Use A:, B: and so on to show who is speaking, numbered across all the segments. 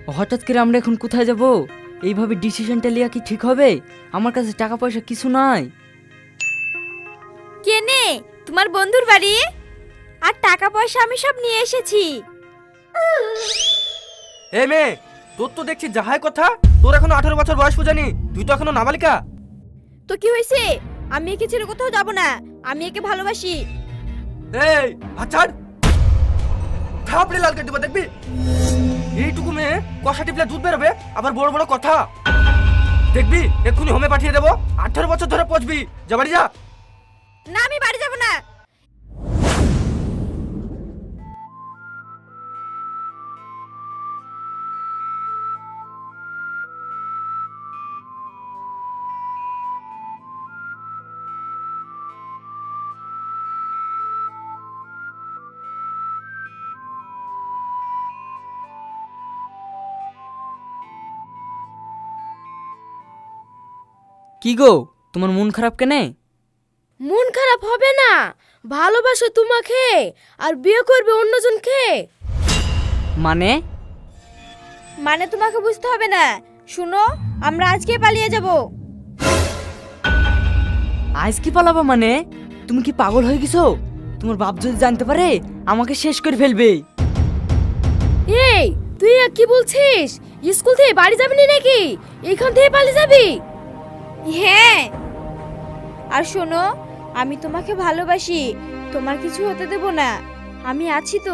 A: হঠাৎ করে আমরা এখন কোথায় যাব? এইভাবে ডিসিশনটা নেওয়া কি ঠিক হবে? আমার কাছে টাকা পয়সা কিছু নাই।
B: কেনে তোমার বন্ধুর বাড়ি, আর টাকা পয়সা আমি সব নিয়ে এসেছি।
C: এ মেয়ে, তোর তো দেখছি যাহাই কথা, তোর এখনো 18 বছর বয়স পূজানি, তুই তো এখনো নাবালিকা।
B: তো কি হয়েছে? আমি একে ছেড়ে কোথাও যাব না, আমি একে ভালোবাসি।
C: এই আচ্ছাড়, থাপড়ে লাল কেটে দেবো দেখবি। এইটুকু মেয়ে কষা টিপলে দুধ বেরোবে, আবার বড় বড় কথা দেখবি। এক্ষুনি হোমে পাঠিয়ে দেবো, 18 বছর ধরে পচবি। যা বাড়ি যা।
B: না, আমি বাড়ি যাব না।
A: কি গো, তোমার মন খারাপ কেনে?
D: মন খারাপ হবে না, ভালোবাসো তোমাকে আর বিয়ে করবে অন্যজনকে।
A: মানে?
B: মানে তোমাকে বুঝতে হবে না। শুনো, আমরা আজকে পালিয়ে যাব।
A: আজ কি পালাবা মানে? তুমি কি পাগল হয়ে গেছো? তোমার বাপ যদি জানতে পারে আমাকে শেষ করে ফেলবে।
D: এই তুই আর কি বলছিস? স্কুল থেকে বাড়ি যাবি না নাকি? এখান থেকে পালিয়ে যাবি?
B: হ্যাঁ, আর শোনো, আমি তোমাকে ভালোবাসি, তোমার কিছু হতে দেব না, আমি আছি তো।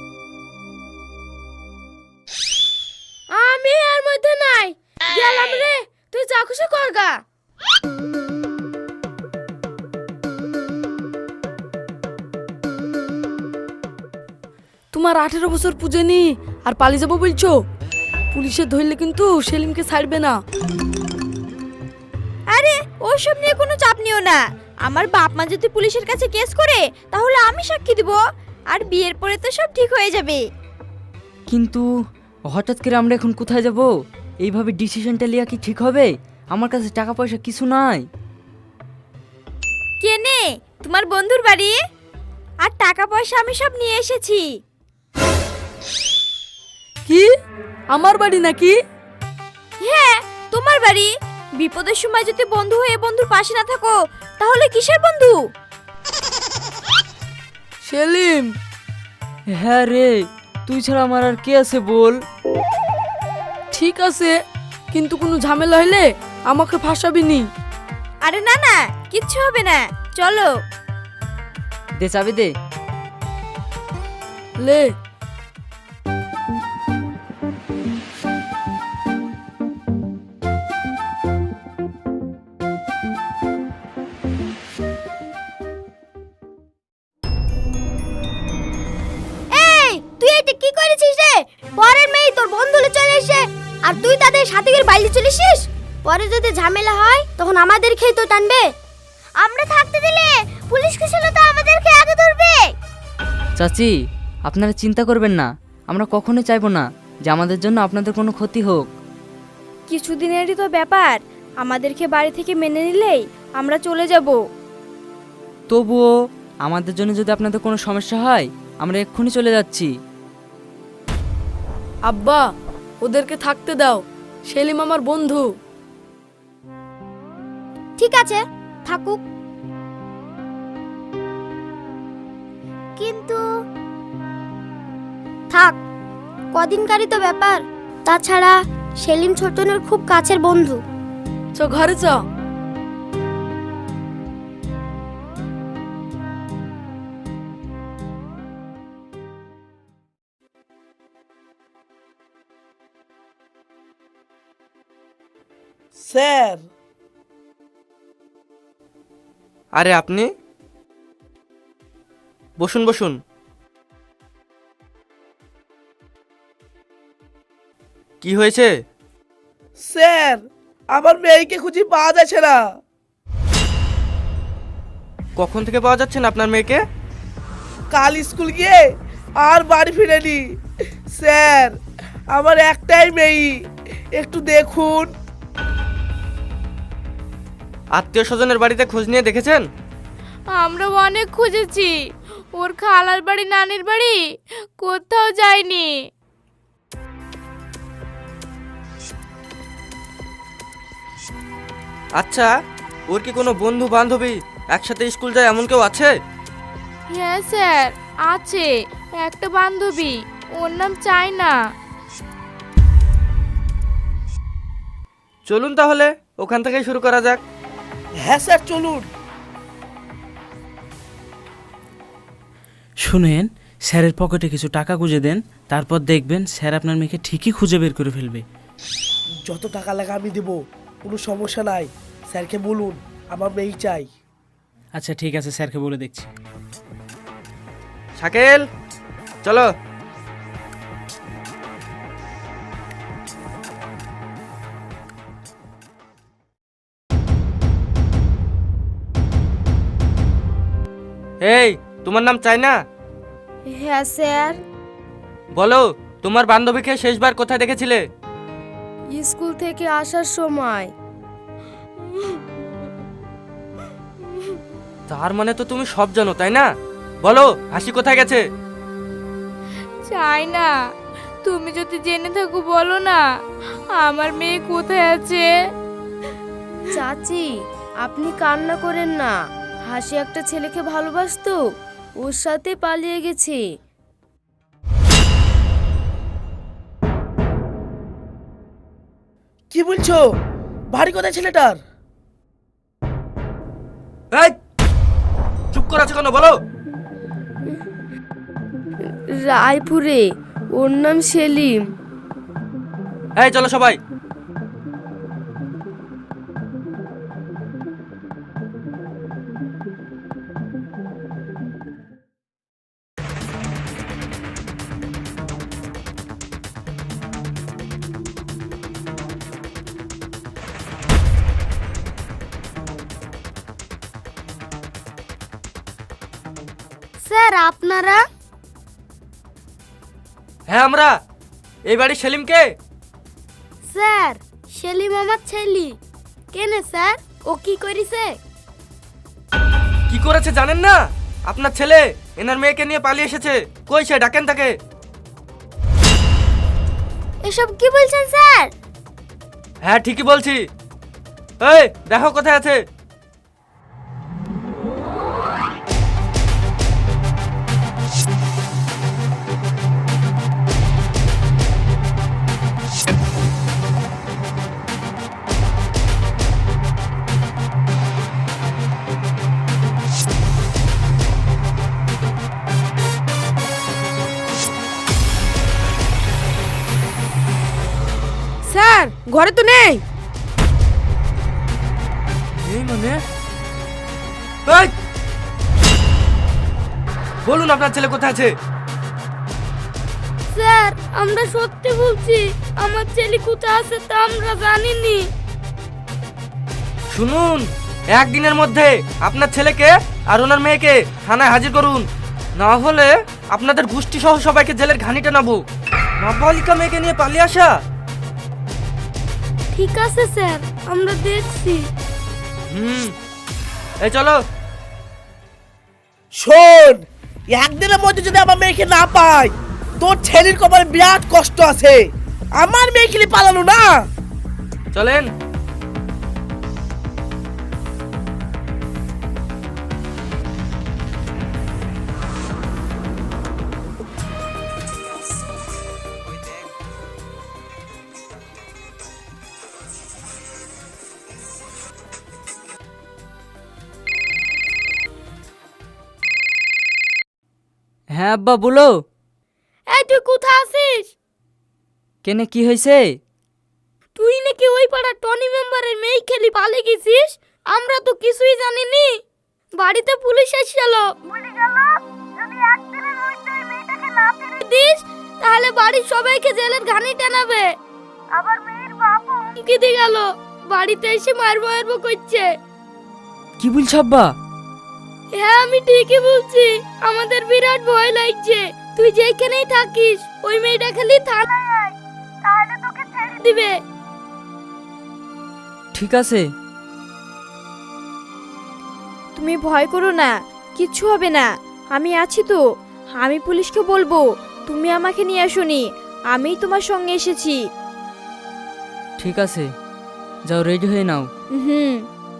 D: আমি আর মধ্যে নাই, গেলাম রে, তুই যা খুশি করগা। তোমার 18 বছর পুজেনি আর পালিয়ে যাবো বলছো? পুলিশে ধরলে কিন্তু সেলিমকে ছাড়বে না।
B: আরে ওসব নিয়ে কোনো চাপ নিও না, আমার বাপ মা যদি পুলিশের কাছে কেস করে তাহলে আমি সাক্ষী দিব, আর বিয়ের পরে তো সব ঠিক হয়ে যাবে।
A: কিন্তু হঠাৎ করে আমরা এখন কোথায় যাব? এইভাবে ডিসিশনটা নেওয়া কি ঠিক হবে? আমার কাছে টাকা পয়সা কিছু নাই।
B: কেনে তোমার বন্ধুর বাড়ি, আর টাকা পয়সা আমি সব নিয়ে এসেছি।
D: কি আমার বাড়ি নাকি?
B: হ্যাঁ, তোমার বাড়ি। বিপদের সময় যদি বন্ধু হয়ে বন্ধুর পাশে না থাকো তাহলে কিসের বন্ধু?
D: সেলিম,
A: হ্যাঁ রে, তুই ছাড়া আমার আর কে আছে বল?
D: ঠিক আছে, কিন্তু কোনো ঝামেলা হইলে আমাকে ফাঁসাবি নি।
B: আরে না না, কিচ্ছু হবে না, চলো।
A: দে চাবি দে।
D: লে
B: এই তুই এটা কি করেছিস রে? পরের মেয়ে তোর বন্ধুলে চলে এসে আর তুই তাদের সাথে গিয়ে বাইরে চলে এসিস। পরে যদি ঝামেলা হয় তখন আমাদের খেয়ে তো টানবে। আমরা থাকতে দিলে পুলিশ কুশলে তো আমাদেরকে আগে ধরবে।
A: চাচি, আপনারা চিন্তা করবেন না, আমরা কখনোই চাইবো না যে আমাদের জন্য আপনাদের কোনো ক্ষতি হোক।
B: কিছুদিনেরই তো ব্যাপার, আমাদেরকে বাড়ি থেকে মেনে নিলেই আমরা চলে যাব।
A: তবুও আমাদের জন্য যদি আপনাদের কোনো সমস্যা হয় আমরা এক্ষুনি চলে যাচ্ছি।
D: আব্বা, ওদেরকে থাকতে দাও, সেলিম আমার বন্ধু।
B: ঠিক আছে, থাকুক। কিন্তু থাক, কদিনকারই তো ব্যাপার। তাছাড়া সেলিম ছোটনের খুব কাছের বন্ধু।
D: চ ঘরে চ।
E: স্যার,
C: আরে আপনি বসুন বসুন। কি হয়েছে?
E: স্যার আমার মেয়েকে খুঁজে পাওয়া যাচ্ছে না।
C: কখন থেকে পাওয়া যাচ্ছে না আপনার মেয়েকে?
E: কাল স্কুল গিয়ে আর বাড়ি ফিরেনি। স্যার আমার একটাই মেয়ে, একটু দেখুন।
C: আত্মীয় স্বজনের বাড়িতে খোঁজ নিয়ে দেখেছেন?
D: আমরা অনেক খুঁজেছি, ওর খালার বাড়ি নানির বাড়ি কোথাও যায়নি।
C: আচ্ছা, ওর কি কোনো বন্ধু বান্ধবী একসাথে স্কুল যায় এমন কেউ আছে?
F: হ্যাঁ স্যার, আছে একটা বান্ধবী, ওর নাম চায়না।
C: চলুন তাহলে ওখান থেকেই শুরু করা যাক।
E: হ্যাঁ স্যার, চলুন।
G: শুনেন, স্যারের পকেটে কিছু টাকা গুঁজে দেন, তারপর দেখবেন স্যার আপনার মেয়েকে ঠিকই খুঁজে বের করে ফেলবে।
E: যত টাকা লাগে আমি দেবো, কোনো সমস্যা নাই। স্যারকে বলুন আমার মেয়ে চাই।
G: আচ্ছা ঠিক আছে, স্যারকে বলে দেখছি।
C: শাকিল, চলো। এই, তোমার নাম চায়না?
B: হ্যাঁ স্যার।
C: বলো, তোমার বান্ধবীকে শেষবার কোথায় দেখেছিলে?
B: স্কুল থেকে আসার সময়।
C: তার মানে তো তুমি সব জানো, তাই না? বলো, হাসি কোথায় গেছে?
F: চায়না, তুমি যদি জেনে থাকো বলো না, আমার মেয়ে কোথায় আছে?
B: চাচি, আপনি কান্না করেন না। হাসি একটা ছেলেকে ভালোবাসতো, ওর সাথে পালিয়ে গেছে।
E: কি বলছো? বাড়ি কোথায় ছেলেটার?
C: এই, চুপ করে আছো কেন? বলো।
B: রায়পুরে, ওর নাম সেলিম।
C: এই চলো সবাই।
B: স্যার, আপনারা?
C: হ্যাঁ আমরা। এই বাড়ির সেলিমকে?
B: স্যার, সেলিম আমার ছেলে। কেনে স্যার, ও কি করেছে?
C: কি করেছে জানেন না? আপনার ছেলে এনার মেয়েকে নিয়ে পালিয়ে এসেছে। কই সে? ডাকেন তাকে।
B: এসব কি বলছেন স্যার?
C: হ্যাঁ ঠিকই বলছি। এই দেখো কোথায় আছে।
D: স্যার, ঘরে তো নেই।
C: এই মানে, এই! বলুন আপনার ছেলে কোথায় আছে?
B: স্যার, আমরা সত্যি বলছি, আমার ছেলে কোথায় আছে তা আমরা জানিনি।
C: শুনুন, একদিনের মধ্যে আপনার ছেলেকে আর ওনার মেয়েকে থানায় হাজির করুন, না হলে আপনাদের গোষ্ঠী সহ সবাইকে জেলের ঘানিতে নাবো। নাবালিকা মেয়েকে নিয়ে পালিয়ে আসা।
B: ঠিক আছে স্যার, আমরা দেখছি।
C: এই চলো।
E: শোন, একদিনের মধ্যে যদি আমার মেয়েকে না পাই, তোর ছেলের কপালে বিরাট কষ্ট আছে। আমার মেয়েকে নিয়ে পালানো না।
C: চলেন।
A: হ্যাঁ আব্বা বলো।
B: এই তুই কোথায় আছিস?
A: কেনে কি হয়েছে?
B: তুই নাকি ওই পাড়ার টনি মেম্বারের মেয়ে খেলি পালিয়ে গেছিস। আমরা তো কিছুই জানিনি। বাড়িতে পুলিশ এসেছিল, বলে গেল যদি একদিনের মধ্যে ওই মেয়েটাকে না ফিরে দিস তাহলে বাড়ির সবাইকে জেলের ঘানি টানাবে। আবার মেয়ের বাপও হুমকি দিয়ে গেল, বাড়িতে এসে মারবো করছে।
A: কি বলছ আব্বা?
B: হ্যাঁ আমি ঠিকই বলছি, আমাদের বিরাট ভয় লাগছে। তুই যেখানেই থাকিস ওই মেয়েটা খালি থানায় আয়, তাহলে তোকে ছেড়ে দিবে।
A: ঠিক আছে।
F: তুমি ভয় করো না, কিচ্ছু হবে না, আমি আছি তো। আমি পুলিশকে বলবো তুমি আমাকে নিয়ে আসোনি, আমিই তোমার সঙ্গে এসেছি।
A: ঠিক আছে। যাও রেডি হয়ে নাও।
F: হুম।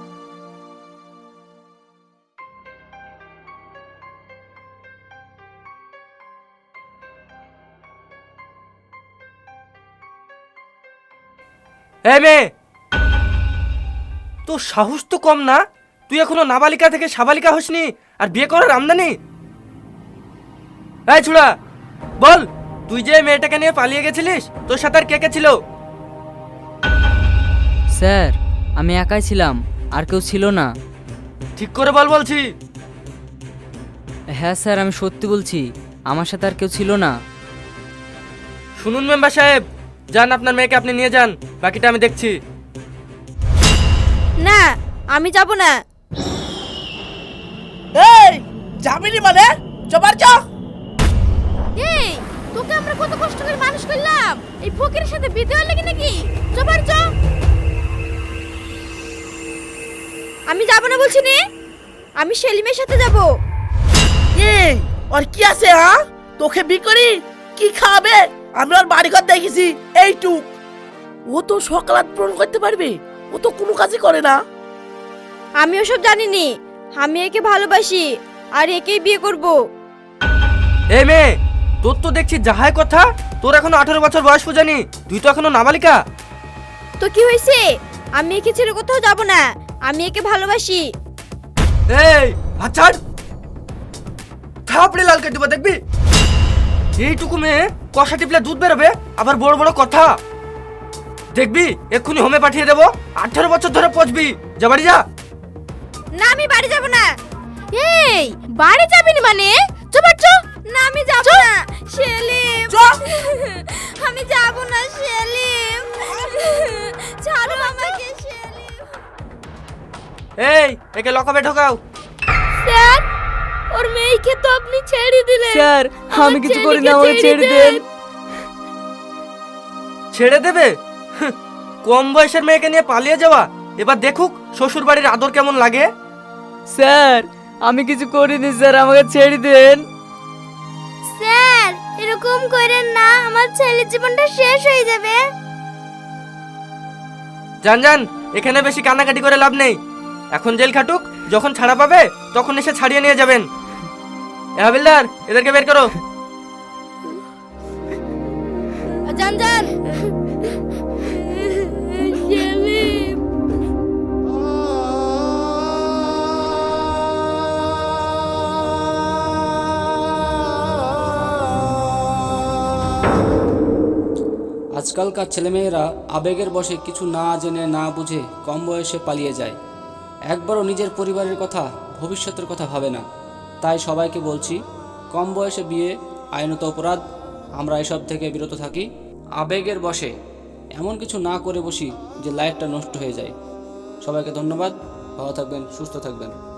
C: এই মেয়ে, তোর সাহস তো কম না? তুই এখনো নাবালিকা থেকে সাবালিকা হসনি আর বিয়ে করার আমদানি? এই ছুড়া, বল তুই যে মেয়েটাকে নিয়ে পালিয়ে গেছিলিস, তোর সাথে আর কে কে ছিল?
A: স্যার আমি একাই ছিলাম, আর কেউ ছিল না।
C: ঠিক করে বল বলছি।
A: হ্যাঁ স্যার আমি সত্যি বলছি, আমার সাথে আর কেউ ছিল না।
C: শুনুন মেম্বার সাহেব, যান আপনার মেয়েকে আপনি নিয়ে যান, বাকিটা আমি দেখছি।
F: না আমি যাব না।
E: এই যাবিনি মানে চবার চ।
B: এই তোকে আমরা কত কষ্ট করে মানুষ করলাম, এই ফকিরের সাথে বিয়ে দেওয়ার লাগি নাকি? চবার চ।
F: আমি যাব না বলছি নে, আমি সেলিমের সাথে যাব।
E: এই আর কি আছে হ্যাঁ? তোকে বি করি কি খাবে? আমি ওর বাড়িঘর দেখেছি এইটুক। ও তো সকালাত পূরণ করতে পারবে, ও তো কোনো কাজই করে না।
F: আমি ওসব জানিনি, আমি একে ভালোবাসি আর একেই বিয়ে করব।
C: এই মেয়ে, তোর তো দেখছি যাহাই কথা, তোর এখনো 18 বছর বয়স পূজানি, তুই তো এখনো নাবালিকা।
F: তো কি হয়েছে? আমি একে ছেড়ে কোথাও যাব না, আমি একে ভালোবাসি।
C: এই আচ্ছাড়, থাপড়ে লাল কেটে দেখবি। এইটুকু মেয়ে কষা টিপলে দুধ বেরোবে, আবার বড় বড় কথা। দেখবি এক্ষুনি হোমে পাঠিয়ে দেবো, 18 বছর ধরে পচবি। যা বাড়ি যা।
F: না আমি বাড়ি যাব না।
B: এই বাড়ি যাবি না মানে? চবার চ।
F: না আমি যাব না সেলিম। আমি যাব না সেলিম, ছাড়ো আমাকে সেলিম।
C: এই একে লকআপে ঢোকাও।
F: স্যার ওর মেয়েকে তো আপনি ছেড়ে দিলেন।
A: স্যার আমি কিছু করি না, আমাকে ছেড়ে দেন।
C: ছেড়ে দেবে? হুঁ, কম বয়সের মেয়েকে নিয়ে পালিয়ে যাওয়া। এবার দেখুক শ্বশুর বাড়ির আদর কেমন লাগে।
A: স্যার আমি কিছু করিনি স্যার, আমাকে ছেড়ে দেন।
B: স্যার এরকম করেন না, আমার ছেলের জীবনটা শেষ হয়ে যাবে।
C: যান যান, এখানে বেশি কান্নাকাটি করে লাভ নেই। এখন জেল খাটুক, যখন ছাড়া পাবে তখন এসে ছাড়িয়ে নিয়ে যাবেন। এ হাবিলদার, এদেরকে বের করো।
F: যান যান।
H: আজকালকার ছেলেমেয়েরা আবেগের বশে কিছু না জেনে না বুঝে কম বয়সে পালিয়ে যায়, একবারও নিজের পরিবারের কথা ভবিষ্যতের কথা ভাবে না। তাই সবাইকে বলছি, কম বয়সে বিয়ে আইনত অপরাধ। আমরা এসব থেকে বিরত থাকি। আবেগের বশে এমন কিছু না করে বসি যে লাইফটা নষ্ট হয়ে যায়। সবাইকে ধন্যবাদ, ভালো থাকবেন, সুস্থ থাকবেন।